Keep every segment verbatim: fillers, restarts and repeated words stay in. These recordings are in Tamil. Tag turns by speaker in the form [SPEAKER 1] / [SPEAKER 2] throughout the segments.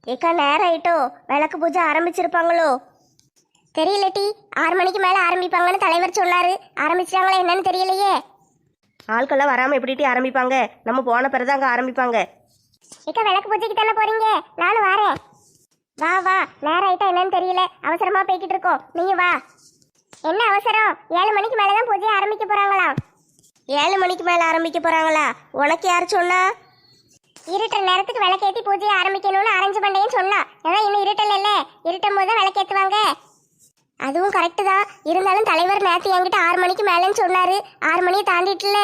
[SPEAKER 1] ஏக்கா நேரம் ஆயிட்டோ, விளக்கு பூஜை ஆரம்பிச்சிருப்பாங்களோ தெரியலட்டி. ஆறு மணிக்கு மேல ஆரம்பிப்பாங்கன்னு தலைவர் சொன்னாரு. ஆரம்பிச்சிட்டாங்களா என்னன்னு தெரியலையே.
[SPEAKER 2] ஆட்கள்லாம் வராமல் எப்படிட்டி ஆரம்பிப்பாங்க? நம்ம போன பிறகு அங்கே ஆரம்பிப்பாங்க.
[SPEAKER 1] ஏக்கா விளக்கு பூஜைக்கு தானே போறீங்க, நானும் வரேன். வா வா, நேரம் ஆயிட்டா என்னன்னு தெரியல, அவசரமா போய்கிட்டு இருக்கோம். நீங்க வா. என்ன அவசரம்? ஏழு மணிக்கு மேலதான் பூஜையை ஆரம்பிக்க போறாங்களாம்.
[SPEAKER 2] ஏழு மணிக்கு மேலே ஆரம்பிக்க போகிறாங்களா? உனக்கு யார் சொன்னா?
[SPEAKER 1] இருட்டுற நேரத்துக்கு விளக்கேற்றி பூஜையை ஆரம்பிக்கணும்னு அரேஞ்ச் பண்ணேன்னு சொன்னா. ஏன்னா இன்னும் இருட்டல் இல்லை, இருட்டும் போது தான் விளக்கேற்றுவாங்க. அதுவும் கரெக்டு தான். இருந்தாலும் தலைவர் நேற்று என்கிட்ட ஆறு மணிக்கு மேலேன்னு சொன்னாரு. ஆறு மணியை தாண்டிட்டுல.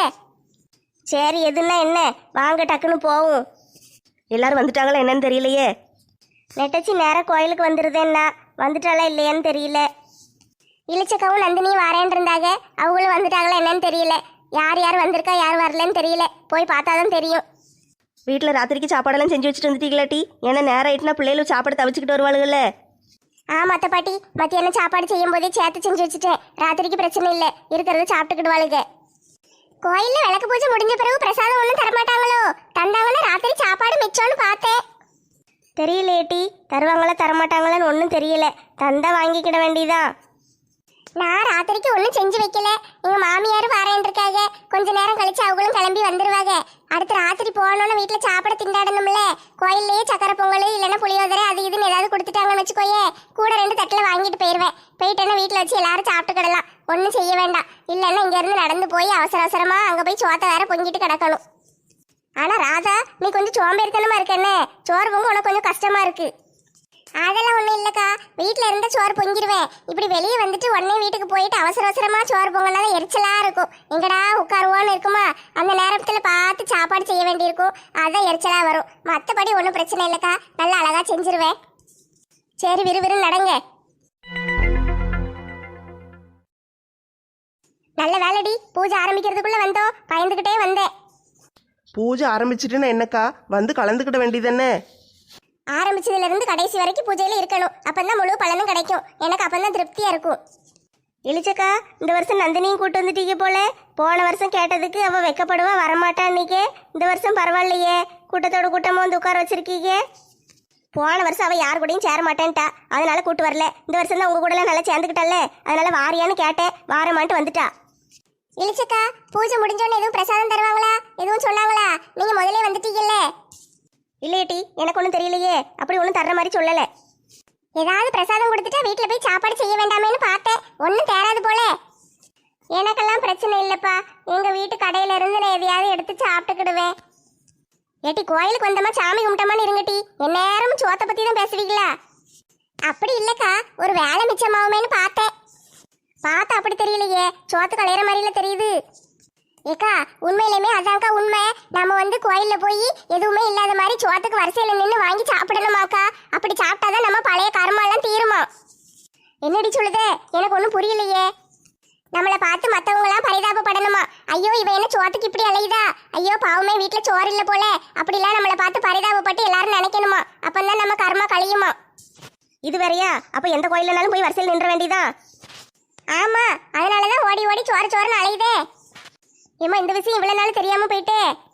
[SPEAKER 2] சரி, எதுன்னா என்ன, வாங்க டக்குன்னு போவோம். எல்லாரும் வந்துட்டாங்களா என்னன்னு தெரியலையே.
[SPEAKER 1] நெட்டச்சி நேரம் கோயிலுக்கு வந்துருதேன்னா வந்துட்டாளா இல்லையான்னு தெரியல. இளிச்சக்காவும் நந்தினியும் வரேன் இருந்தாங்க, அவங்களும் வந்துட்டாங்களா என்னன்னு தெரியல. யார் யார் வந்திருக்கா யார் வரலன்னு தெரியல, போய் பார்த்தாதான் தெரியும்.
[SPEAKER 2] வீட்டில் ராத்திரிக்கு சாப்பாடெல்லாம் செஞ்சு வச்சுட்டு வந்துட்டீங்களாட்டி? ஏன்னா நேரம் ஆயிட்டுனா பிள்ளைகளும் சாப்பாடு தவிச்சுக்கிட்டு வருவாளுகள்ல.
[SPEAKER 1] ஆ மத்த பாட்டி, மத்தியானம் சாப்பாடு செய்யும் போதே சேர்த்து செஞ்சு வச்சுட்டேன். ராத்திரிக்கு பிரச்சனை இல்லை, இருக்கிறத சாப்பிட்டுக்கிடுவாளுங்க. கோயில்ல விளக்கு பூஜை முடிஞ்ச பிறகு பிரசாதம் ஒன்றும் தரமாட்டாங்களோ? தந்தாங்கன்னா ராத்திரி சாப்பாடு மிச்சம்னு பார்த்தேன்.
[SPEAKER 2] தெரியலேட்டி, தருவாங்களா தரமாட்டாங்களான்னு ஒன்றும் தெரியல. தந்தா வாங்கிக்கிட வேண்டியதான்.
[SPEAKER 1] நான் ராத்திரிக்கு ஒன்றும் செஞ்சு வைக்கல. எங்க மாமியார் வரேன் இருக்காங்க. கொஞ்ச நேரம் கழிச்சு அவங்களும் கிளம்பி வந்துருவாங்க. அடுத்து ராத்திரி போனோன்னு வீட்டில் சாப்பிட திண்டாடணும்ல. கோயில்லையே சக்கரை பொங்கல் இல்லைன்னா புளியோதரை அது இதுன்னு ஏதாவது கொடுத்துட்டாங்கன்னு வச்சுக்கோயே, கூட ரெண்டு தட்டில் வாங்கிட்டு போயிடுவேன். போயிட்டேன்னா வீட்டில் வச்சு எல்லாரும் சாப்பிட்டுக்கிடலாம், ஒன்றும் செய்ய வேண்டாம். இல்லைன்னா இங்கேருந்து நடந்து போய் அவசர அவசரமா அங்கே போய் சோத்தை வேற பொங்கிட்டு கிடக்கணும். ஆனால் ராதா, நீ கொஞ்சம் சோம்பேறித்தனமா இருக்கேன்னு, சோறு பொங்க உனக்கு கொஞ்சம் கஷ்டமா இருக்கு. அதெல்லாம் ஒன்றும் இல்லைக்கா, வீட்டில் இருந்தால் சோறு பொங்கிடுவேன். இப்படி வெளியே வந்துட்டு உடனே வீட்டுக்கு போயிட்டு அவசர அவசரமாக சோறு பொங்கினாலும் எரிச்சலாக இருக்கும். எங்கடா உட்காருவோன்னு இருக்குமா, அந்த நேரத்தில் பார்த்து சாப்பாடு செய்ய வேண்டியிருக்கும். அதான் எரிச்சலாக வரும். மற்றபடி ஒன்றும் பிரச்சனை இல்லைக்கா, நல்லா அழகாக செஞ்சிருவேன். சரி, விறுவிறு நடங்க. நல்ல வேலைடி, பூஜை ஆரம்பிக்கிறதுக்குள்ளே வந்தோம். பயந்துக்கிட்டே வந்தேன்.
[SPEAKER 3] பூஜை ஆரம்பிச்சிட்டுன்னா என்னக்கா, வந்து கலந்துக்கிட வேண்டியதானே?
[SPEAKER 1] ஆரம்பிச்சதுல இருந்து கடைசி வரைக்கும் பூஜையில இருக்கணும். அப்பந்தான் முழு பலனும் கிடைக்கும். எனக்கு அப்பந்தான் திருப்தியா இருக்கும்.
[SPEAKER 2] இளிச்சக்கா, இந்த வருஷம் நந்தினியும் கூட்டு வந்துட்டீங்க போல. போன வருஷம் கேட்டதுக்கு அவள் வெக்கப்படுவா வரமாட்டான்னிக்கே. இந்த வருஷம் பரவாயில்லையே, கூட்டத்தோட கூட்டமாக வந்து உட்கார வச்சிருக்கீங்க. போன வருஷம் அவள் யார் கூடயும் சேர மாட்டேன்ட்டா, அதனால கூட்டு வரல. இந்த வருஷம் தான் உங்க கூட எல்லாம் நல்லா சேர்ந்துக்கிட்டல்ல, அதனால வாரியான்னு கேட்டேன், வாரமான்ட்டு வந்துட்டா.
[SPEAKER 1] இளிச்சக்கா, பூஜை முடிஞ்சோன்னு எதுவும் பிரசாதம் தருவாங்களா, எதுவும் சொன்னாங்களா? நீங்க முதல்ல வந்துட்டீங்கல்ல.
[SPEAKER 2] இல்லையேட்டி, எனக்கு ஒன்றும் தெரியலையே. அப்படி ஒன்றும் தர்ற மாதிரி சொல்லலை.
[SPEAKER 1] ஏதாவது பிரசாதம் கொடுத்துட்டா வீட்டில் போய் சாப்பாடு செய்ய வேண்டாமேன்னு பார்த்தேன். ஒன்றும் தேராது போல. எனக்கெல்லாம் பிரச்சனை இல்லைப்பா, எங்கள் வீட்டு கடையில இருந்து நான் எதையாவது எடுத்து சாப்பிட்டுக்கிடுவேன். ஏட்டி, கோயிலுக்கு வந்தமா சாமி கும்பிட்டமான்னு இருங்கட்டி, எந்நேரமும் சோத்தை பற்றி தான் பேசுவீங்களா? அப்படி இல்லைக்கா, ஒரு வேலை மிச்சமாகுமேன்னு பார்த்தேன். பார்த்தா அப்படி தெரியலையே, சோத்து கலையிற மாதிரில தெரியுது. ஏக்கா, உண்மையிலுமே அதான்க்கா உண்மை. நம்ம வந்து கோயில்ல போய் எதுவுமே இல்லாத மாதிரி சோத்துக்கு வரிசையில நின்று வாங்கி சாப்பிடணுமாக்கா. அப்படி சாப்பிட்டாதான் நம்ம பழைய கர்மாலாம் தீருமா. என்னடி சொல்லுதே, எனக்கு ஒன்றும் புரியலையே. நம்மளை பார்த்து மற்றவங்களாம் பரிதாபப்படணுமா? ஐயோ இவ என்ன சோத்துக்கு இப்படி அலையுதா, ஐயோ பாவமே வீட்டில் சோறு இல்லை போல, அப்படிலாம் நம்மளை பார்த்து பரிதாபப்பட்டு எல்லாரும் நினைக்கணுமா. அப்பந்தான் நம்ம கர்மா கழியுமா.
[SPEAKER 2] இது வேறையா? அப்போ எந்த கோயிலனாலும் போய் வரிசையில் நின்ற வேண்டியதான்.
[SPEAKER 1] ஆமா, அதனாலதான் ஓடி ஓடி சோறு சோறுன்னு அலையுதே. ஏமா, இந்த விஷயம் இவ்வளவு நாள் தெரியாம போயிட்டு.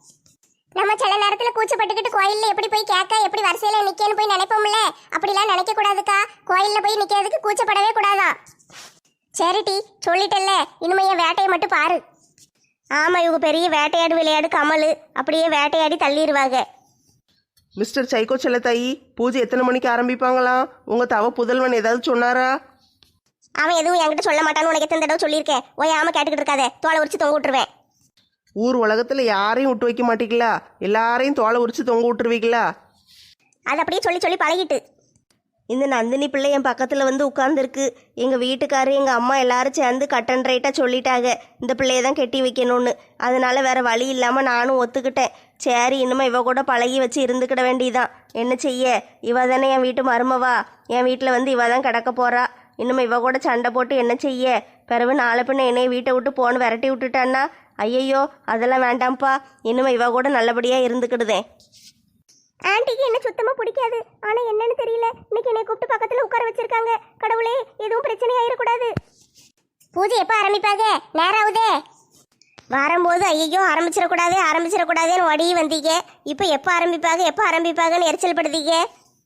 [SPEAKER 1] நம்ம சில நேரத்துல கூச்சப்பட்டுக்கிட்டு கோயில்ல எப்படி போய் கேட்க, எப்படி வரிசையில நிக்கன்னு போய் நினைப்போம்ல, அப்படிலாம் நினைக்க கூடாதுக்கா. கோயில்ல போய் நிக்கிறதுக்கு கூச்சப்படவே கூடாதான். சரிட்டி, சொல்லிட்டல்ல, இனிமே என் வேட்டையை மட்டும் பாரு.
[SPEAKER 2] ஆமா, இவங்க பெரிய வேட்டையாடு விளையாடு கமல், அப்படியே வேட்டையாடி தள்ளிடுவாங்க.
[SPEAKER 3] மிஸ்டர் சைக்கோ செல்லத்தாயி, பூஜை எத்தனை மணிக்கு ஆரம்பிப்பாங்களாம்? உங்க தவ புதல்வன் ஏதாவது சொன்னாரா?
[SPEAKER 2] அவன் எதுவும் என்கிட்ட சொல்ல மாட்டான்னு உனக்கு எத்தனை தடவை சொல்லியிருக்கேன். ஓய் ஆமா, கேட்டுக்கிட்டு இருக்காத, தோலை உரிச்சு தொங்க விட்டுருவேன்.
[SPEAKER 3] ஊர் உலகத்துல யாரையும் விட்டு வைக்க மாட்டீங்களா? எல்லாரையும் தோலை உரிச்சு தொங்க விட்டுருவீங்களா?
[SPEAKER 2] அது அப்படியே சொல்லி சொல்லி பழகிட்டு. இந்த நந்தினி பிள்ளை என் பக்கத்தில் வந்து உட்காந்துருக்கு. எங்கள் வீட்டுக்காரு எங்கள் அம்மா எல்லாரும் சேர்ந்து கட்டன் ரைட்டாக சொல்லிட்டாங்க இந்த பிள்ளையை தான் கெட்டி வைக்கணும்னு. அதனால வேற வழி இல்லாமல் நானும் ஒத்துக்கிட்டேன். சரி, இனிமே இவ கூட பழகி வச்சு இருந்துக்கிட வேண்டியதான். என்ன செய்ய, இவ தானே என் வீட்டு மருமவா. என் வீட்டில் வந்து இவ தான் கிடக்க போறா. இனிமே இவ கூட சண்டை போட்டு என்ன செய்ய? பிறகு நாளை பின்ன என்னைய வீட்டை விட்டு போன்னு விரட்டி விட்டுட்டான்னா, ஐயையோ அதெல்லாம் வேண்டாம்ப்பா. இனிமே இவ கூட நல்லபடியாக இருந்துக்கிடுதேன்.
[SPEAKER 1] ஆண்டிக்கு என்ன சுத்தமா பிடிக்காது. ஆனா என்னன்னு தெரியல, இன்னைக்கு என்னை கூப்பிட்டு பக்கத்துல உட்கார வச்சிருக்காங்க. கடவுளே, எதுவும் பிரச்சனை ஆயிடக்கூடாது. பூஜை எப்ப ஆரம்பிப்பாங்க? நேரம் ஆகுதே.
[SPEAKER 2] வரும்போது ஐயோ ஆரம்பிச்சிடக்கூடாது ஆரம்பிச்சிடக்கூடாதுன்னு ஓடி வந்தீங்க. இப்போ எப்போ ஆரம்பிப்பாங்க எப்போ ஆரம்பிப்பாங்கன்னு எரிச்சல் படுத்தீங்க.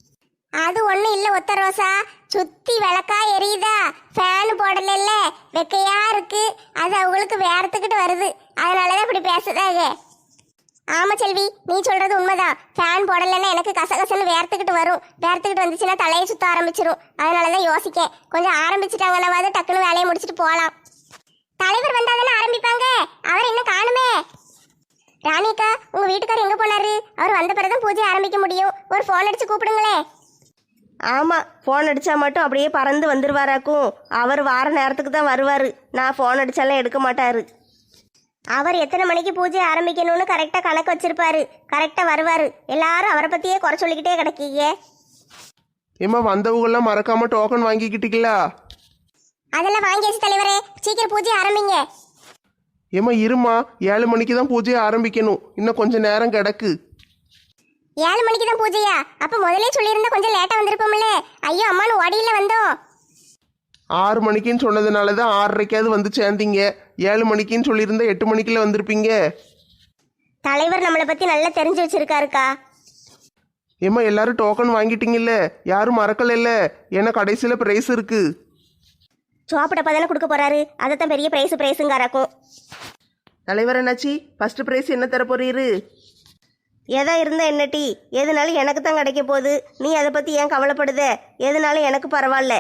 [SPEAKER 1] அது ஒண்ணும் இல்ல ஒத்த ரோசா, சுத்தி விளக்கா எரியுதா, ஃபேன் போடல, வெக்கையா இருக்கு, அது அவங்களுக்கு வேர்த்துக்கிட்டு வருது, அதனாலதான் இப்படி பேசுதாங்க. ஆமா செல்வி, நீ சொல்றது உண்மைதான். ஃபேன் போடலைன்னா எனக்கு கசகசன்னு வேர்த்துக்கிட்டு வரும். வேர்த்துக்கிட்டு வந்துச்சுன்னா தலையை சுத்த ஆரம்பிச்சிரும். அதனாலதான் யோசிக்கேன், கொஞ்சம் ஆரம்பிச்சுட்டாங்கன்னாவது டக்குன்னு வேலையை முடிச்சுட்டு போகலாம். தலைவர் வந்தாதானே ஆரம்பிப்பாங்க, அவர் இன்னும் காணுமே. ராணிக்கா, உங்க வீட்டுக்காரர் எங்க போனாரு? அவர் வந்த பிறகுதான் பூஜை ஆரம்பிக்க முடியும். ஒரு ஃபோன் அடிச்சு கூப்பிடுங்களே.
[SPEAKER 2] ஆமாம், ஃபோன் அடித்தா மட்டும் அப்படியே பறந்து வந்துடுவாராக்கும். அவர் வார நேரத்துக்கு தான் வருவார். நான் ஃபோன் அடித்தாலாம் எடுக்க மாட்டார். அவர் எத்தனை மணிக்கு பூஜை ஆரம்பிக்கணும்னு கரெக்டாக கணக்கு வச்சிருப்பாரு. கரெக்டாக வருவார். எல்லாரும் அவரை பற்றியே குறை சொல்லிக்கிட்டே கிடக்கீங்க.
[SPEAKER 3] ஏம்மா, வந்தவங்கெல்லாம் மறக்காம டோக்கன் வாங்கிக்கிட்டீங்களா?
[SPEAKER 1] அதெல்லாம் வாங்கியாச்சு தலைவரே, சீக்கிரம் பூஜை ஆரம்பிங்க.
[SPEAKER 3] ஏம்மா இருமா, ஏழு மணிக்கு தான் பூஜையை ஆரம்பிக்கணும். இன்னும் கொஞ்சம் நேரம் கிடக்கு.
[SPEAKER 1] ஏழு மணிக்கு தான் பூஜையா? அப்ப முதலே சொல்லியிருந்தா கொஞ்சம் லேட்டா வந்திருப்போம்ல. ஐயோ அம்மானு ஓடியில வந்தோம்.
[SPEAKER 3] ஆறு மணிக்குன்னு சொன்னதுனால தான் ஆறரைக்காவது வந்து சேர்ந்தீங்க. ஏழு மணிக்குன்னு சொல்லியிருந்தா எட்டு மணிக்குள்ள வந்திருப்பீங்க.
[SPEAKER 2] தலைவர் நம்மளை பற்றி நல்லா தெரிஞ்சு வச்சிருக்காருக்கா.
[SPEAKER 3] ஏம்மா, எல்லாரும் டோக்கன் வாங்கிட்டீங்கல்ல? யாரும் மறக்கலைல்ல? ஏன்னா கடைசியில் ப்ரைஸ் இருக்கு.
[SPEAKER 2] சோப்படப்பா தானே கொடுக்க போறாரு, அதைத்தான் பெரிய ப்ரைஸ் ப்ரைஸுங்காராக்கும்.
[SPEAKER 3] தலைவர் என்னாச்சி, ஃபர்ஸ்ட் ப்ரைஸ் என்ன தர போறீரு?
[SPEAKER 2] எதா இருந்தா என்ன டீ, எதுனாலும் எனக்கு தான் கிடைக்க போகுது. நீ அதை பற்றி ஏன் கவலைப்படுத? எதுனாலும் எனக்கு பரவாயில்ல.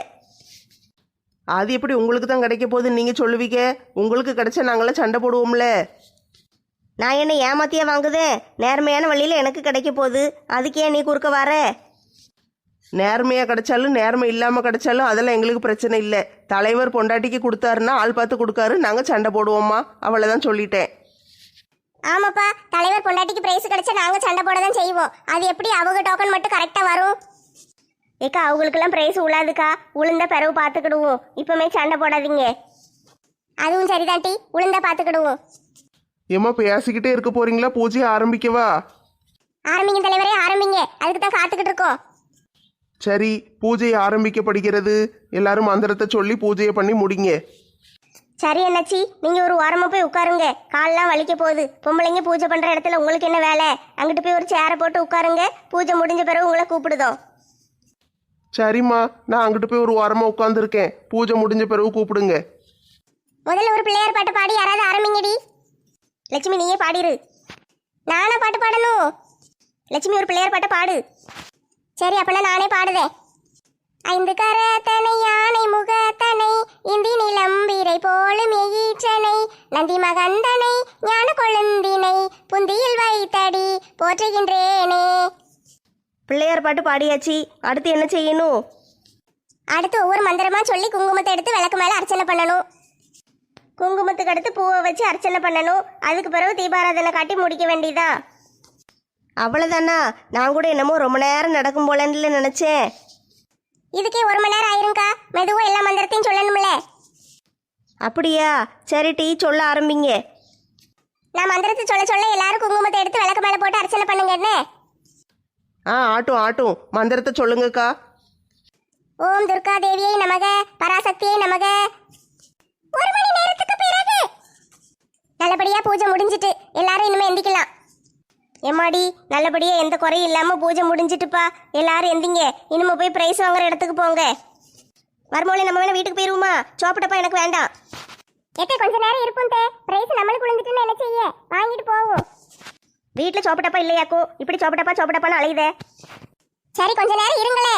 [SPEAKER 3] அது எப்படி உங்களுக்கு தான் கிடைக்க போகுதுன்னு நீங்கள் சொல்லுவீங்க? உங்களுக்கு கிடைச்சா நாங்களாம் சண்டை போடுவோம்ல.
[SPEAKER 2] நான் என்ன ஏமாத்தியா வாங்குதேன்? நேர்மையான வழியில் எனக்கு கிடைக்க போகுது. அதுக்கே நீ குறுக்க வர?
[SPEAKER 3] நேர்மையாக கிடைச்சாலும் நேர்மை இல்லாமல் கிடைச்சாலும் அதெல்லாம் எங்களுக்கு பிரச்சனை இல்லை. தலைவர் பொண்டாட்டிக்கு கொடுத்தாருன்னா ஆள் பார்த்து கொடுக்காரு, நாங்கள் சண்டை போடுவோம்மா. அவ்வளோதான் சொல்லிட்டேன்.
[SPEAKER 1] ஆமாப்பா, தலைவர் பொண்டாட்டிக்கு பிரைஸ் கிடைச்சா நாங்க சண்டை போட தான் செய்வோம். அது எப்படி அவங்க டோக்கன் மட்டும் கரெக்டா வரும்?
[SPEAKER 2] ஏக்கா, அவங்களுக்கெல்லாம் ப்ரைஸ் உழாதுக்கா. உளுந்த பிறகு பார்த்துக்கிடுவோம். இப்போமே சண்டை போடாதீங்க.
[SPEAKER 1] அதுவும் சரிதான் டி, உளுந்தா பாத்துக்கிடுவோம்.
[SPEAKER 3] ஏம்மா, பேசிக்கிட்டே இருக்க போறீங்களா? பூஜையை ஆரம்பிக்கவா?
[SPEAKER 1] ஆரம்பிங்க தலைவரே, ஆரம்பிங்க. அதுக்கு தான் காத்துக்கிட்டு இருக்கோம்.
[SPEAKER 3] சரி, பூஜை ஆரம்பிக்கப்படுகிறது. எல்லாரும் மந்திரத்தை சொல்லி பூஜையை பண்ணி முடிங்க.
[SPEAKER 2] சரி அண்ணாச்சி, நீங்கள் ஒரு ஓரமாக போய் உட்காருங்க. கால்லாம் வலிக்க போகுது. பொம்பளைங்க பூஜை பண்ணுற இடத்துல உங்களுக்கு என்ன வேலை? அங்கிட்டு போய் ஒரு சேரை போட்டு உட்காருங்க. பூஜை முடிஞ்ச பிறகு உங்களை கூப்பிடுதோம்.
[SPEAKER 3] சரிம்மா, நான் அங்கிட்டு போய் ஒரு வாரமாக உட்காந்துருக்கேன். பூஜை முடிஞ்ச பிறகு கூப்பிடுங்க.
[SPEAKER 1] முதல்ல ஒரு பிள்ளையார் பாட்டு பாடி யாராவது ஆரம்பிங்கடி.
[SPEAKER 2] லட்சுமி, நீயே பாடிரு.
[SPEAKER 1] நானா பாட்டு பாடணும்?
[SPEAKER 2] லட்சுமி, ஒரு பிள்ளையார் பாட்டை பாடு.
[SPEAKER 1] சரி, அப்பனா நானே பாடுதேன். ஐந்து கரத்தனை யானை முகத்தனை இந்தி நிலம்பிரை போலும் எயிற்றனை நந்தி மகந்தனை ஞான கொழுந்தினை புந்தியில் வைத்தடி போற்றுகின்றேனே.
[SPEAKER 2] பிள்ளையார் பாட்டு பாடியாச்சு. அடுத்து என்ன செய்யணும்?
[SPEAKER 1] அடுத்து ஒவ்வொரு மந்திரமா சொல்லி குங்குமத்தை எடுத்து விளக்கு மேல அர்ச்சனை பண்ணணும்.
[SPEAKER 2] குங்குமத்துக்கு அடுத்து பூவை வச்சு அர்ச்சனை பண்ணணும். அதுக்கு பிறகு தீபாராதனை காட்டி முடிக்க வேண்டியதா? அவ்வளோதானா? நான் கூட என்னமோ ரொம்ப நேரம் நடக்கும் போலன்னு நினச்சேன்.
[SPEAKER 1] இதுக்கே ஒரு மணி நேரம் ஆயிருங்கா. மெதுவா எல்லா மந்திரத்தையும் சொல்லணும்ல.
[SPEAKER 2] அப்படியா? சரி டீ, சொல்ல ஆரம்பிங்க.
[SPEAKER 1] நான் மந்திரத்தை சொல்ல சொல்ல எல்லாரும் குங்குமத்தை எடுத்து விளக்கு மேல போட்டு அர்ச்சனை பண்ணுங்க. என்ன?
[SPEAKER 3] ஆ, ஆட்டும் ஆட்டும். மந்திரத்தை சொல்லுங்கக்கா.
[SPEAKER 1] ஓம் துர்கா தேவியை நமக, பராசக்தியை நமக. ஒரு மணி நேரத்துக்கு பிறகு நல்லபடியா பூஜை முடிஞ்சிட்டு எல்லாரும் இனிமே எந்திக்கலாம்.
[SPEAKER 2] எம்மாடி, நல்லபடியா எந்த குறையும் இல்லாமல் பூஜை முடிஞ்சிட்டுப்பா. எல்லாரும் எந்திங்க. இனிமே போய் ப்ரைஸ் வாங்குற இடத்துக்கு போங்க. வரும்போது நம்ம வேணா வீட்டுக்கு போயிருவோமா? சோப்பிட்டப்பா எனக்கு வேண்டாம்.
[SPEAKER 1] எத்தே கொஞ்ச நேரம் இருக்கும் தே. பிரைஸ் நம்மளுக்கு விழுந்துட்டுன்னு என்ன செய்ய? வாங்கிட்டு போவோம்.
[SPEAKER 2] வீட்டில் சோப்பிட்டப்பா இல்லையாக்கும். இப்படி சோப்பிட்டப்பா சோப்பிட்டப்பான்னு அலையுதே.
[SPEAKER 1] சரி, கொஞ்ச நேரம் இருங்களே.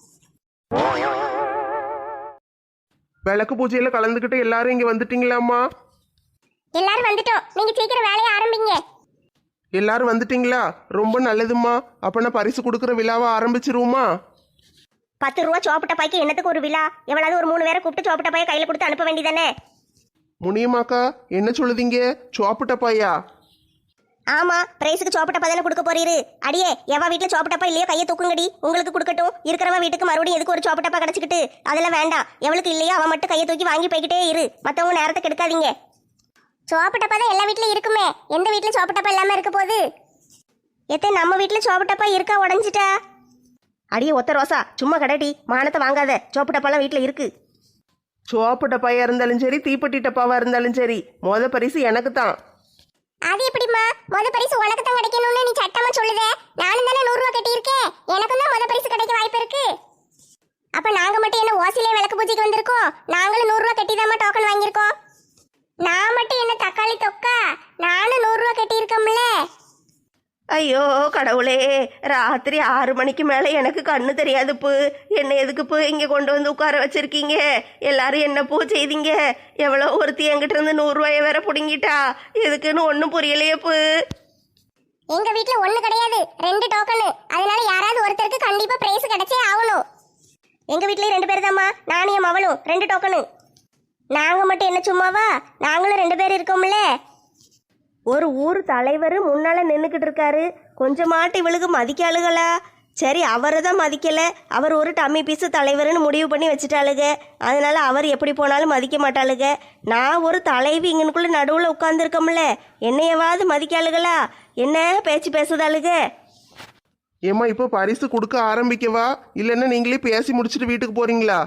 [SPEAKER 3] விளக்கு பூஜையில கலந்துக்கிட்டு எல்லாரும் இங்க வந்துட்டீங்களாம்மா?
[SPEAKER 1] எல்லாரும் வந்துட்டோம். நீங்க சீக்கிரம் வேலையை ஆரம்பிங்க.
[SPEAKER 3] எல்லாரும் வந்துட்டீங்களா? ரொம்ப நல்லதும்மா. அப்பனா பரிசு கொடுக்குற விழாவை ஆரம்பிச்சிருவோமா?
[SPEAKER 2] பத்து ரூபா சோப்பிட்டப்பாய்க்கு என்னத்துக்கு ஒரு விழா? எவ்வளவு ஒரு மூணு பேரை கூப்பிட்டு சோப்பிட்டப்பாயை கையில் கொடுத்து அனுப்ப வேண்டியதானே?
[SPEAKER 3] முனியம்மாக்கா, என்ன சொல்லுதீங்க? சோப்புட்டப்பாயா?
[SPEAKER 2] ஆமா, பிரைஸுக்கு சோப்பிட்டப்பா தானே கொடுக்க போறீரு. அடியே, எவா வீட்டுல சோப்பிட்டப்பா இல்லையோ கையை தூக்குங்கடி. உங்களுக்கு கொடுக்கட்டும். இருக்கிறவன் வீட்டுக்கு மறுபடியும் எதுக்கு ஒரு சோப்பிட்டப்பா கிடைச்சிக்கிட்டு? அதெல்லாம் வேண்டாம். எவளுக்கு இல்லையோ அவன் மட்டும் கையை தூக்கி வாங்கி போய்கிட்டே இரு. மற்றவங்க நேரத்தை கெடுக்காதீங்க.
[SPEAKER 1] சோப்புட்டப்பா தான் எல்லா வீட்லயும் இருக்குமே. எந்த வீட்டுல சோப்புட்டப்பா இல்லாம இருக்க போகுது?
[SPEAKER 2] எத்தே, நம்ம வீட்டுல சோப்பிட்டப்பா இருக்கா? உடஞ்சிட்டா? அடியே ஒத்த ரோசா, சும்மா கடைடி. மானத்தை வாங்காத. சோப்பிட்டப்பாலாம் வீட்டுல இருக்கு.
[SPEAKER 3] சோப்பு டப்பாயா இருந்தாலும் சரி, தீப்பெட்டி டப்பாவா இருந்தாலும் சரி, மொத பரிசு எனக்கு தான்.
[SPEAKER 1] அது எப்படிமா? முத பரிசு உனக்கு தான் கிடைக்கணும்னு நீ சட்டமா சொல்லுதே. நானும் தானே நூறு ரூபா கட்டி இருக்கேன். எனக்கும் தான் முத பரிசு கிடைக்க வாய்ப்பு இருக்கு. ஓசிலே விளக்கு பூஜைக்கு வந்திருக்கோம். நாங்களும் நூறு ரூபா கட்டிதாம்மா டோக்கன் வாங்கியிருக்கோம். நான் மட்டும் என்ன தக்காளி தொக்கா, நானும் நூறு ரூபா கட்டியிருக்கோம்ல.
[SPEAKER 2] ஐயோ கடவுளே, ராத்திரி ஆறு மணிக்கு மேலே எனக்கு கண்ணு தெரியாது பூ. என்ன எதுக்கு பூ இங்கே கொண்டு வந்து உட்கார வச்சிருக்கீங்க? எல்லாரும் என்ன பூ செய்தீங்க? எவ்வளோ ஒருத்தி என்கிட்ட இருந்து நூறுரூவாயை வேற பிடுங்கிட்டா. எதுக்குன்னு ஒன்றும் புரியலையே பூ.
[SPEAKER 1] எங்க வீட்ல ஒண்ணு கிடையாது, ரெண்டு டோக்கனு. அதனால யாராவது ஒருத்தருக்கு கண்டிப்பா பிரைஸ் கிடைச்சே ஆகணும்.
[SPEAKER 2] எங்க வீட்லயும் ரெண்டு பேர் தாம்மா, நானும் என் மவளும் ரெண்டு டோக்கனு.
[SPEAKER 1] நாங்க மட்டும் என்ன சும்மாவா? நாங்களும் ரெண்டு பேர் இருக்கோம்ல.
[SPEAKER 2] ஒரு ஊர் தலைவர் முன்னால நின்றுக்கிட்டு இருக்காரு, கொஞ்சமாட்டு இவளுக்கு மதிக்காளுகளா? சரி, அவரை தான் மதிக்கல, அவர் ஒரு டம்மி பீஸு தலைவர்னு முடிவு பண்ணி வச்சுட்டாளுக. அதனால அவர் எப்படி போனாலும் மதிக்க மாட்டாளுக. நான் ஒரு தலைவி இங்கனுக்குள்ள நடுவில் உட்காந்துருக்கோம்ல, என்னையவாது மதிக்காளுகளா? என்ன பேச்சு பேசுதாளுக?
[SPEAKER 3] ஏம்மா இப்போ பரிசு கொடுக்க ஆரம்பிக்கவா, இல்லைன்னா நீங்களே பேசி முடிச்சுட்டு வீட்டுக்கு போறீங்களா?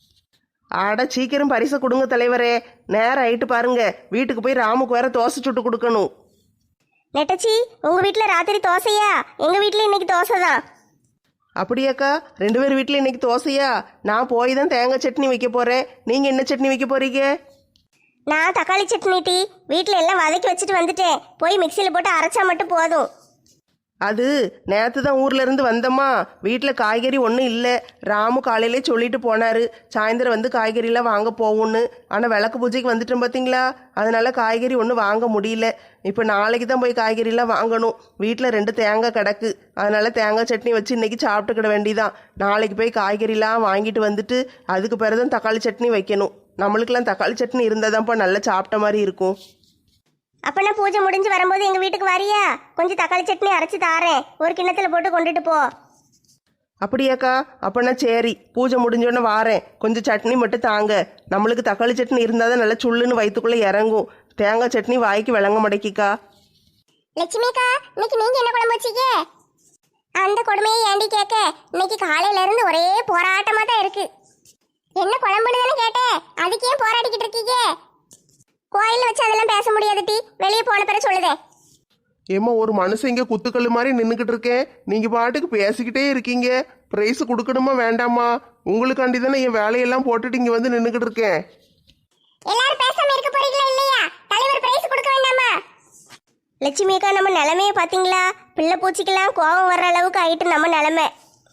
[SPEAKER 2] ஆட சீக்கிரம் பரிசை கொடுங்க தலைவரே, நேரம் ஆயிட்டு பாருங்க. வீட்டுக்கு போய் ராமுக்கு வேற தோசை சுட்டு கொடுக்கணும்.
[SPEAKER 1] நெட்டச்சி, உங்க வீட்ல ராத்திரி தோசையா? எங்க வீட்ல இன்னைக்கு தோசை தான்.
[SPEAKER 3] அப்படியாக்கா, ரெண்டு பேர் வீட்டில் இன்னைக்கு தோசையா? நான் போய் தான் தேங்காய் சட்னி வைக்க போறேன். நீங்க என்ன சட்னி வைக்க போறீங்க?
[SPEAKER 1] நான் தக்காளி சட்னி டீ. வீட்ல எல்லாம் வதக்கி வச்சுட்டு வந்துட்டேன். போய் மிக்சியில் போட்டு அரைச்சா மட்டும் போதும்.
[SPEAKER 3] அது நேற்று தான் ஊர்ல இருந்து வந்தம்மா. வீட்டில் காய்கறி ஒன்றும் இல்லை. ராமு காலையிலே சொல்லிட்டு போனாரு, சாயந்தரம் வந்து காய்கறிலாம் வாங்க போகும்னு. ஆனால் விளக்கு பூஜைக்கு வந்துட்டோம் பார்த்தீங்களா, அதனால காய்கறி ஒன்றும் வாங்க முடியல. இப்போ நாளைக்கு தான் போய் காய்கறிலாம் வாங்கணும். வீட்டில் ரெண்டு தேங்காய் கிடக்கு, அதனால தேங்காய் சட்னி வச்சு இன்னைக்கு சாப்பிட்டுக்கிட வேண்டிதான். நாளைக்கு போய் காய்கறிலாம் வாங்கிட்டு வந்துட்டு அதுக்கு பிறகு தான் தக்காளி சட்னி வைக்கணும். நம்மளுக்கெல்லாம் தக்காளி சட்னி இருந்தால் தான்ப்பா நல்லா சாப்பிட்ட மாதிரி இருக்கும்.
[SPEAKER 1] அப்பனா பூஜை முடிஞ்சு வரும்போது எங்க வீட்டுக்கு வரியா? கொஞ்சம் தக்காளி சட்னி அரைச்சு தாரேன், ஒரு கிண்ணத்துல போட்டு கொண்டுட்டு போ.
[SPEAKER 3] அப்படியாக்கா, அப்பனா சரி, பூஜை முடிஞ்சோடனே வாரேன். கொஞ்சம் சட்னி மட்டும் தாங்க. நம்மளுக்கு தக்காளி சட்னி இருந்தால் தான் நல்லா சுள்ளுன்னு வயிற்றுக்குள்ளே இறங்கும். தேங்காய் சட்னி வாய்க்கு விளங்க மடக்கிக்கா.
[SPEAKER 1] லட்சுமிக்கா, இன்னைக்கு நீங்க என்ன குழம்பு வச்சீங்க? அந்த கொடுமையை ஏண்டி கேட்க? இன்னைக்கு காலையில இருந்து ஒரே போராட்டமா தான் இருக்கு. என்ன குழம்புன்னு தானே கேட்டேன், அதுக்கு ஏன் போராடிக்கிட்டு இருக்கீங்க? கோயில்ல வச்சு அதெல்லாம் பேச முடியாது டி, வெளியே போன பிறகு சொல்லுதே.
[SPEAKER 3] ஏம்மா, ஒரு மனுஷன் இங்கே குத்துக்கல் மாதிரி நின்றுக்கிட்டு இருக்கேன், நீங்கள் பாட்டுக்கு பேசிக்கிட்டே இருக்கீங்க. ப்ரைஸ் கொடுக்கணுமா வேண்டாமா? உங்களுக்காண்டி தானே என் வேலையெல்லாம் போட்டுட்டு இங்கே வந்து நின்றுக்கிட்டு இருக்கேன்.
[SPEAKER 1] எல்லாரும் பேசாம இருக்க போறீங்களா இல்லையா? தலைவர் பிரைஸ் கொடுக்க வேண்டாமா? லட்சுமி அக்கா, நம்ம நிலைமையை பாத்தீங்களா? பிள்ளை பூச்சிக்கெல்லாம் கோபம் வர்ற அளவுக்கு ஆயிட்டு நம்ம நிலைமை.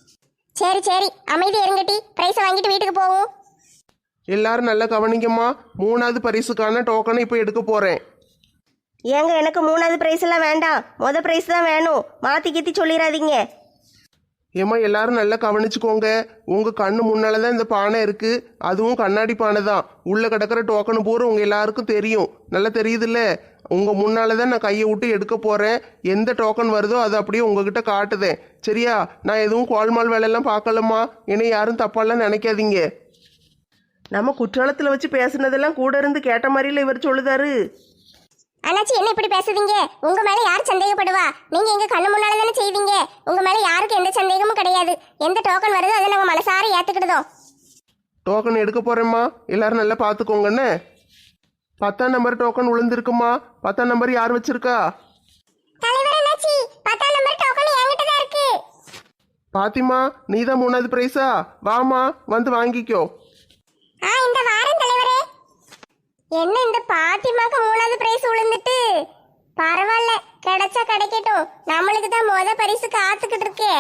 [SPEAKER 1] சரி சரி, அமைதி இருங்கட்டி, பிரைஸை வாங்கிட்டு வீட்டுக்கு போவோம்.
[SPEAKER 3] எல்லாரும் நல்லா கவனிங்கம்மா. மூணாவது பரிசுக்கான டோக்கனை இப்போ எடுக்க போகிறேன்.
[SPEAKER 2] ஏங்க, எனக்கு மூணாவது ப்ரைஸ் எல்லாம் வேண்டாம், மொதல் ப்ரைஸ் தான் வேணும். மாற்றி கீத்தி சொல்லிடாதீங்க.
[SPEAKER 3] ஏம்மா, எல்லாரும் நல்லா கவனிச்சுக்கோங்க. உங்கள் கண்ணு முன்னால தான் இந்த பானை இருக்குது. அதுவும் கண்ணாடி பானை தான். உள்ளே கிடக்கிற டோக்கனு பூரா உங்கள் எல்லாருக்கும் தெரியும். நல்லா தெரியுதுல்ல? உங்கள் முன்னால தான் நான் கையை விட்டு எடுக்க போகிறேன். எந்த டோக்கன் வருதோ அதை அப்படியே உங்ககிட்ட காட்டுதேன். சரியா? நான் எதுவும் கோல்மால் வேலையெல்லாம் பார்க்கலம்மா. என்னை யாரும் தப்பாலாம் நினைக்காதீங்க. நம்ம குற்றாலத்தில் வச்சு பேசுனதெல்லாம் கூட இருந்து கேட்ட மாதிரில இவர் சொல்லுதாரு.
[SPEAKER 1] அண்ணாச்சி, என்ன இப்படி பேசுதீங்க? உங்க மேல யார் சந்தேகப்படுவா? நீங்க எங்க கண்ணு முன்னால தானே செய்வீங்க. உங்க மேல யாருக்கு எந்த சந்தேகமும் கிடையாது. எந்த டோக்கன் வருதோ அதை நாங்க மனசார ஏத்துக்கிடுதோம்.
[SPEAKER 3] டோக்கன் எடுக்க போறேம்மா, எல்லாரும் நல்லா பார்த்துக்கோங்கன்னு. பத்தாம் நம்பர் டோக்கன் விழுந்திருக்குமா? பத்தாம் நம்பர் யார் வச்சிருக்கா?
[SPEAKER 1] தலைவர் அண்ணாச்சி, பத்தாம் நம்பர் டோக்கன் என்கிட்ட தான் இருக்கு.
[SPEAKER 3] பாத்திமா, நீ தான் மூணாவது பிரைஸா? வாமா, வந்து வாங்கிக்கோ.
[SPEAKER 1] ஆ, இந்த வாரம் தலைவரே. என்ன இந்த பாத்திமாக்கு மூணாவது பிரைஸ் விழுந்துட்டு? பரவாயில்ல, கிடைச்சா கிடைக்கட்டும். நம்மளுக்கு தான் முத பரிசு காத்துக்கிட்டு இருக்கே.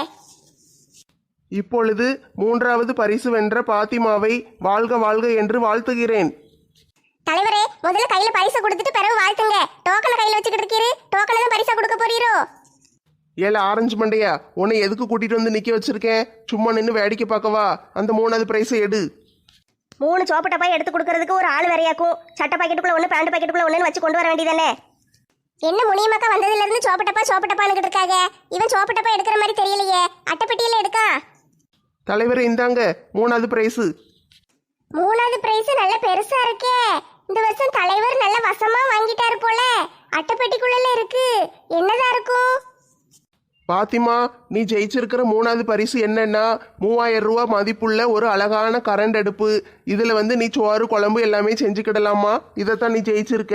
[SPEAKER 3] இப்பொழுது மூன்றாவது பரிசு வென்ற பாத்திமாவை வாழ்க வாழ்க என்று வாழ்த்துகிறேன்.
[SPEAKER 1] தலைவரே, முதல்ல கையில பரிசு கொடுத்துட்டு பிறகு வாழ்த்துங்க. டோக்கனை கையில வச்சுக்கிட்டு இருக்கீரு, டோக்கனை தான் பரிசா கொடுக்க போறீரோ?
[SPEAKER 3] ஏல ஆரஞ்சு மண்டையா, உன்னை எதுக்கு கூட்டிட்டு வந்து நிக்க வச்சிருக்கேன்? சும்மா நின்று வேடிக்கை பார்க்கவா? அந்த மூணாவது பிரைஸை எடு.
[SPEAKER 2] மூணு சோப்பு டப்பாய் எடுத்து கொடுக்கறதுக்கு ஒரு ஆள் வேறையாக்கும். சட்டை பாக்கெட்டுக்குள்ள ஒன்று, பேண்ட் பாக்கெட்டுக்குள்ள ஒன்றுன்னு வச்சு கொண்டு வர வேண்டியதானே?
[SPEAKER 1] என்ன முனியமாக்கா வந்ததுல இருந்து சோப்பட்டப்பா சோப்பட்டப்பான்னு இருக்காங்க. இவன் சோப்பட்டப்பா எடுக்கிற மாதிரி தெரியலையே. அட்டைப்பெட்டியில எடுக்கா.
[SPEAKER 3] தலைவர் இந்தாங்க மூணாவது பிரைஸ்.
[SPEAKER 1] மூணாவது பிரைஸ் நல்ல பெருசா இருக்கே. இந்த வருஷம் தலைவர் நல்ல வசமா வாங்கிட்டாரு போல. அட்டைப்பெட்டிக்குள்ள இருக்கு. என்னதான் இருக்கும்?
[SPEAKER 3] பாத்திமா, நீ ஜெயிச்சிருக்கிற மூணாவது பரிசு என்னன்னா மூவாயிரம் ரூபா மதிப்புள்ள ஒரு அழகான கரண்ட் அடுப்பு. இதுல வந்து நீ சோறு குழம்பு எல்லாமே செஞ்சுக்கிடலாமா. இதைத்தான் நீ ஜெயிச்சிருக்க.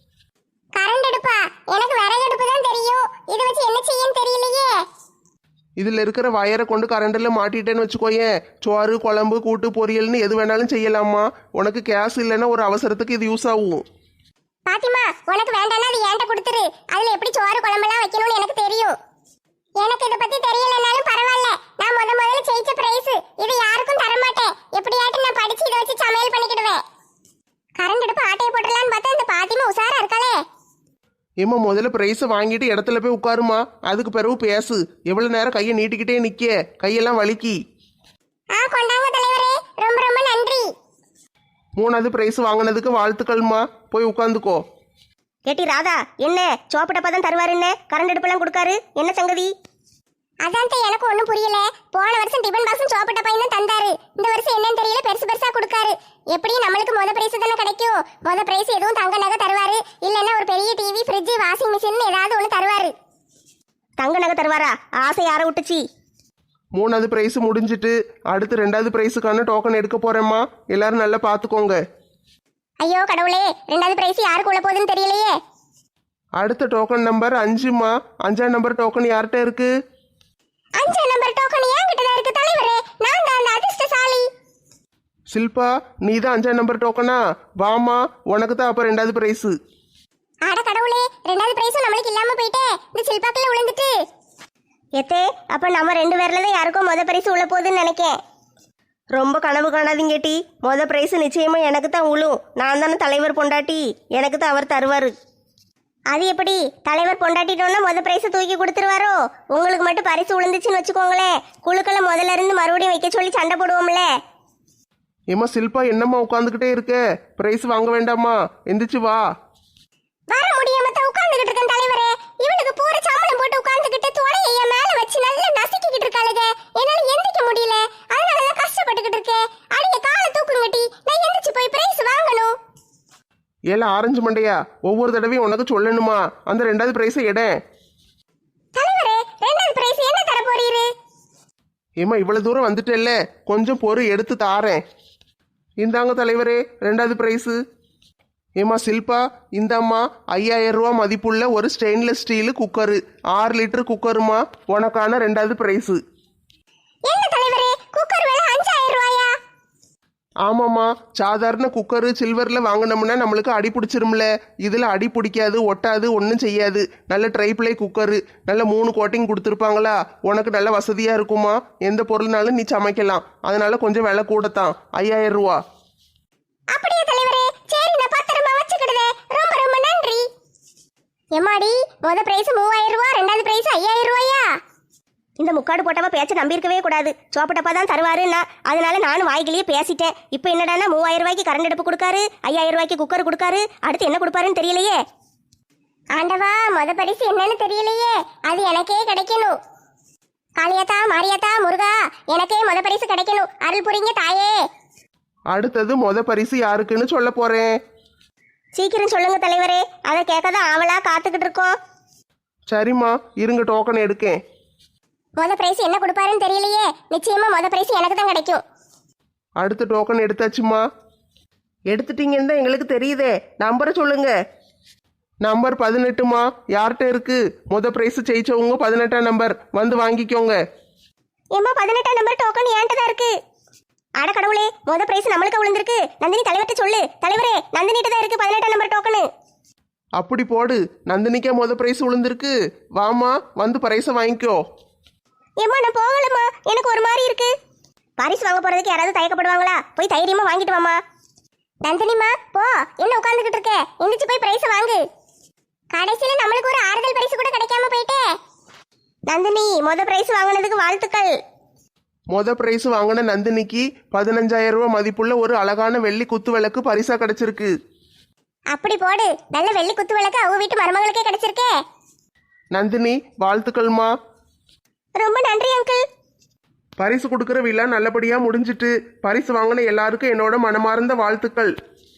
[SPEAKER 1] கரண்ட் அடுப்பா? எனக்கு விறகு அடுப்பு தான் தெரியும். இதை வச்சு என்ன செய்யன்னு தெரியலையே.
[SPEAKER 3] இதில் இருக்கிற வயரை கொண்டு கரண்டில் மாட்டிட்டேன்னு வச்சுக்கோயேன், சோறு குழம்பு கூட்டு பொரியல்னு எது வேணாலும் செய்யலாமா. உனக்கு கேஸ் இல்லைன்னா ஒரு அவசரத்துக்கு இது யூஸ் ஆகும்.
[SPEAKER 1] பாத்திமா, உனக்கு வேண்டாம்னா அது என்கிட்ட கொடுத்துரு. அதுல எப்படி சோறு குழம்பெல்லாம் வைக்கணும்னு எனக்கு தெரியும். எனக்கு இதை பத்தி தெரியலனாலும் பரவாயில்ல. நான் முத முதல்ல ஜெயிச்ச பிரைஸ் இது யாருக்கும் தர மாட்டேன். எப்படியாட்டும் நான் படிச்சு இதை வச்சு சமையல் பண்ணிக்கிடுவேன். கரண்ட் அடுப்பு ஆட்டையை போட்டுடலான்னு பார்த்தா இந்த பாத்திமா உசாரா இருக்காளே.
[SPEAKER 3] ஏம்மா முதல்ல ப்ரைஸை வாங்கிட்டு இடத்துல போய் உட்காருமா, அதுக்கு பிறகு பேசு. எவ்வளோ நேரம் கையை நீட்டிக்கிட்டே நிற்க, கையெல்லாம் வலிக்கி.
[SPEAKER 1] ஆ கொண்டாங்க தலைவரே, ரொம்ப ரொம்ப நன்றி.
[SPEAKER 3] மூணாவது ப்ரைஸ் வாங்கினதுக்கு வாழ்த்துக்கள்மா. போய் உட்காந்துக்கோ.
[SPEAKER 2] கேட்டி ராதா, என்ன சோப்பு டப்பா தான் தருவாருன்னு கரண்ட் அடுப்பெல்லாம் கொடுக்காரு, என்ன சங்கதி?
[SPEAKER 1] அதான் தான் எனக்கு ஒன்றும் புரியல. போன வருஷம் டிபன் பாக்ஸும் சோப்பு டப்பாயும் தான் தந்தாரு. இந்த வருஷம் என்னன்னு தெரியல, பெருசு பெருசா கொடுக்காரு. எப்படியும் நம்மளுக்கு முத பிரைஸ் தானே கிடைக்கும். முத பிரைஸ் எதுவும் தங்க நகை தருவாரு, இல்லைன்னா ஒரு பெரிய டிவி ஃப்ரிட்ஜ் வாஷிங் மிஷின் ஏதாவது ஒன்று தருவாரு.
[SPEAKER 2] தங்க நகை தருவாரா? ஆசை யாரை விட்டுச்சு?
[SPEAKER 3] மூணாவது ப்ரைஸ் முடிஞ்சிட்டு அடுத்து ரெண்டாவது ப்ரைஸுக்கான டோக்கன் எடுக்க போறேம்மா. எல்லாரும் நல்லா பார்த்துக்கோங்க.
[SPEAKER 1] ஐயோ கடவுளே, ரெண்டாவது பிரைஸ் யாருக்கு உள்ள போகுதுன்னு தெரியலையே.
[SPEAKER 3] அடுத்த டோக்கன் நம்பர் அஞ்சுமா. அஞ்சாம் நம்பர் டோக்கன் யார்கிட்ட இருக்கு?
[SPEAKER 1] அஞ்சாம் நம்பர் டோக்கன் என்கிட்ட தான் இருக்கு தலைவரே. நான் தான் அந்த அதிர்ஷ்டசாலி.
[SPEAKER 3] சில்பா, நீ தான் அஞ்சாம் நம்பர் டோக்கனா? வாமா, உனக்கு தான் அப்போ ரெண்டாவது ப்ரைஸு.
[SPEAKER 1] ஆட கடவுளே, ரெண்டாவது பிரைஸும் நம்மளுக்கு இல்லாம போயிட்டே. இந்த சில்பாக்கில் விழுந்துட்டு.
[SPEAKER 2] எத்தே, அப்ப நம்ம ரெண்டு பேர்ல தான் யாருக்கும் முத பரிசு உள்ள போகுதுன்னு நினைக்கேன். ரொம்ப கனவு காணாதீங்க டி. முத பிரைஸ் நிச்சயமா எனக்கு தான் உழும். நான் தானே தலைவர் பொண்டாட்டி, எனக்கு தான் அவர் தருவாரு. அது எப்படி? தலைவர் பொண்டாட்டிட்டோன்னா முத பிரைஸ் தூக்கி கொடுத்துருவாரோ? உங்களுக்கு மட்டும் பரிசு விழுந்துச்சுன்னு வச்சுக்கோங்களேன், குழுக்களை முதல்ல இருந்து மறுபடியும் வைக்க சொல்லி சண்டை போடுவோம்ல.
[SPEAKER 3] ஏம்மா சில்பா, என்னம்மா உட்காந்துக்கிட்டே இருக்க? ப்ரைஸ் வாங்க வேண்டாமா? எந்திரிச்சு வா.
[SPEAKER 1] வர முடியாம தான் உட்கார்ந்துகிட்டு இருக்கேன் தலைவரே. இவளுக்கு பூர சாமலம் போட்டு உட்கார்ந்துகிட்டு தொலையை என் மேல வச்சு நல்லா நசுக்கிக்கிட்டு இருக்காளுங்க. என்னால எந்திரிக்க முடியல, அதனாலதான் கஷ்டப்பட்டுக்கிட்டு இருக்கேன். அடிய காலை தூக்குங்கட்டி, நான் எந்திரிச்சு போய் பிரைஸ் வாங்கணும்.
[SPEAKER 3] ஏல ஆரஞ்சு மண்டையா, ஒவ்வொரு தடவையும் உனக்கு சொல்லணுமா? அந்த ரெண்டாவது ப்ரைஸை எட.
[SPEAKER 1] தலைவரே, ரெண்டாவது பிரைஸ் என்ன தர போறீரு?
[SPEAKER 3] ஏம்மா இவ்வளவு தூரம் வந்துட்டேல்ல, கொஞ்சம் பொறு, எடுத்து தாரேன். இந்தாங்க தலைவரே, ரெண்டாவது ப்ரைஸு. ஏம்மா சில்பா, இந்தாம்மா ஐயாயிரம் ரூபா மதிப்புள்ள ஒரு ஸ்டெயின்லெஸ் ஸ்டீலு குக்கரு, ஆறு லிட்டர் குக்கருமா, உனக்கான ரெண்டாவது ப்ரைஸு.
[SPEAKER 1] என்ன தலைவரே, குக்கர் விலை அஞ்சாயிரம் ரூபாயா?
[SPEAKER 3] ஆமாம்மா, சாதாரண குக்கரு சில்வரில் வாங்கினோம்னா நம்மளுக்கு அடி பிடிச்சிரும்ல. இதில் அடி பிடிக்காது, ஒட்டாது, ஒன்றும் செய்யாது. நல்ல ட்ரைப்ளே குக்கரு, நல்ல மூணு கோட்டிங் கொடுத்துருப்பாங்களா, உனக்கு நல்ல வசதியாக இருக்குமா. எந்த பொருள்னாலும் நீ சமைக்கலாம். அதனால கொஞ்சம் விலை கூடத்தான், ஐயாயிரம் ரூபா.
[SPEAKER 1] அப்படியே தலைவரே, சரி நான் பத்திரமா வச்சுக்கிடுதே. ரொம்ப ரொம்ப நன்றி. எம்மாடி, முத பிரைஸ் மூவாயிரம் ரூபா, ரெண்டாவது பிரைஸ் ஐயாயிரம் ரூபாயா?
[SPEAKER 2] இந்த முக்காடு போட்டவ பேச்ச நம்பியிருக்கவே கூடாது. சோப்பு டப்பா தான் தருவாருன்னா அதனால நானும் வாய்கிலேயே பேசிட்டேன். இப்போ என்னடானா மூவாயிரம் ரூபாய்க்கு கரண்ட் அடுப்பு கொடுக்காரு, ஐயாயிரம் ரூபாய்க்கு குக்கர் கொடுக்காரு. அடுத்து என்ன கொடுப்பாருன்னு தெரியலையே.
[SPEAKER 1] ஆண்டவா, முத பரிசு என்னன்னு தெரியலையே. அது எனக்கே கிடைக்கணும். காளியாத்தா, மாரியாத்தா, முருகா, எனக்கே முத பரிசு கிடைக்கணும். அருள் புரிங்க தாயே.
[SPEAKER 3] அடுத்தது மொத பரிசு யாருக்குன்னு சொல்ல போறேன்.
[SPEAKER 2] சீக்கிரம் சொல்லுங்க தலைவரே, அதை கேட்க தான் ஆவலா காத்துக்கிட்டு இருக்கோம்.
[SPEAKER 3] சரிம்மா, இருங்க டோக்கன் எடுக்கேன்.
[SPEAKER 1] முத பிரைஸ் என்ன கொடுப்பாருன்னு தெரியலையே. நிச்சயமா முத பிரைஸ் எனக்கு தான் கிடைக்கும்.
[SPEAKER 3] அடுத்த டோக்கன் எடுத்தாச்சுமா. எடுத்துட்டீங்கன்னு தான் எங்களுக்கு தெரியுதே. நம்பரை சொல்லுங்க. நம்பர் பதினெட்டுமா. யார்கிட்ட இருக்கு? முத பிரைஸ் ஜெயிச்சவங்க பதினெட்டாம் நம்பர், வந்து வாங்கிக்கோங்க.
[SPEAKER 2] ஏம்மா, பதினெட்டாம் நம்பர் டோக்கன் ஏன்ட்டு தான் இருக்கு. அட கடவுளே, முத பிரைஸ் நம்மளுக்கு விழுந்திருக்கு. நந்தினி தலைவர்கிட்ட சொல்லு. தலைவரே, நந்தினிட்ட தான் இருக்கு பதினெட்டாம் நம்பர் டோக்கனு.
[SPEAKER 3] அப்படி போடு, நந்தினிக்கே முத பிரைஸ் விழுந்திருக்கு. வாமா, வந்து பிரைஸை வாங்கிக்கோ.
[SPEAKER 2] ஏம்மா, நான் போகலம்மா, எனக்கு ஒரு மாதிரி இருக்கு. பரிசு வாங்க போறதுக்கு யாராவது தயக்கப்படுவாங்களா? போய் தைரியமா வாங்கிட்டு வாமா.
[SPEAKER 1] நந்தினிமா, போ, என்ன உட்கார்ந்துகிட்டு இருக்க? எந்திரிச்சு போய் பிரைஸ் வாங்கு. கடைசியில நம்மளுக்கு ஒரு ஆறுதல் பரிசு கூட கிடைக்காம போயிட்டே.
[SPEAKER 2] நந்தினி, முத பிரைஸ் வாங்கினதுக்கு வாழ்த்துக்கள்.
[SPEAKER 3] மொத பிரைஸ் வாங்கின நந்தினிக்கு பதினஞ்சாயிரம் ரூபாய் மதிப்புள்ள ஒரு அழகான வெள்ளி குத்து விளக்கு பரிசா கிடைச்சிருக்கு.
[SPEAKER 1] அப்படி போடு, நல்ல வெள்ளி குத்து விளக்கு அவங்க வீட்டு மருமகளுக்கே கிடைச்சிருக்கே.
[SPEAKER 3] நந்தினி, வாழ்த்துக்கள்மா.
[SPEAKER 2] ரொம்ப நன்றி அங்கிள்.
[SPEAKER 3] பரிசு கொடுக்குற விழா நல்லபடியா முடிஞ்சிட்டு பரிசு வாங்கின எல்லாருக்கும் என்னோட மனமார்ந்த வாழ்த்துக்கள்.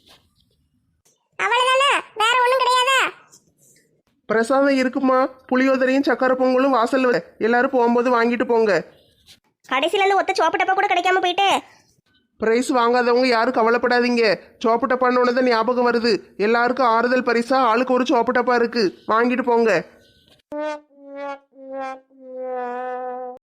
[SPEAKER 1] அவ்வளவுதானே, வேற ஒண்ணும் கிடையாதா?
[SPEAKER 3] பிரசாதம் இருக்குமா. புளியோதரையும் சக்கரை பொங்கலும் வாசல்ல எல்லாரும் போகும்போது வாங்கிட்டு போங்க.
[SPEAKER 2] கடைசியில இருந்து ஒத்த சோப்பு டப்பா கூட கிடைக்காம போயிட்டு.
[SPEAKER 3] பிரைஸ் வாங்காதவங்க யாரும் கவலைப்படாதீங்க. சோப்பு டப்பான்னு தான் ஞாபகம் வருது. எல்லாருக்கும் ஆறுதல் பரிசா ஆளுக்கு ஒரு சோப்பு டப்பா இருக்கு, வாங்கிட்டு போங்க.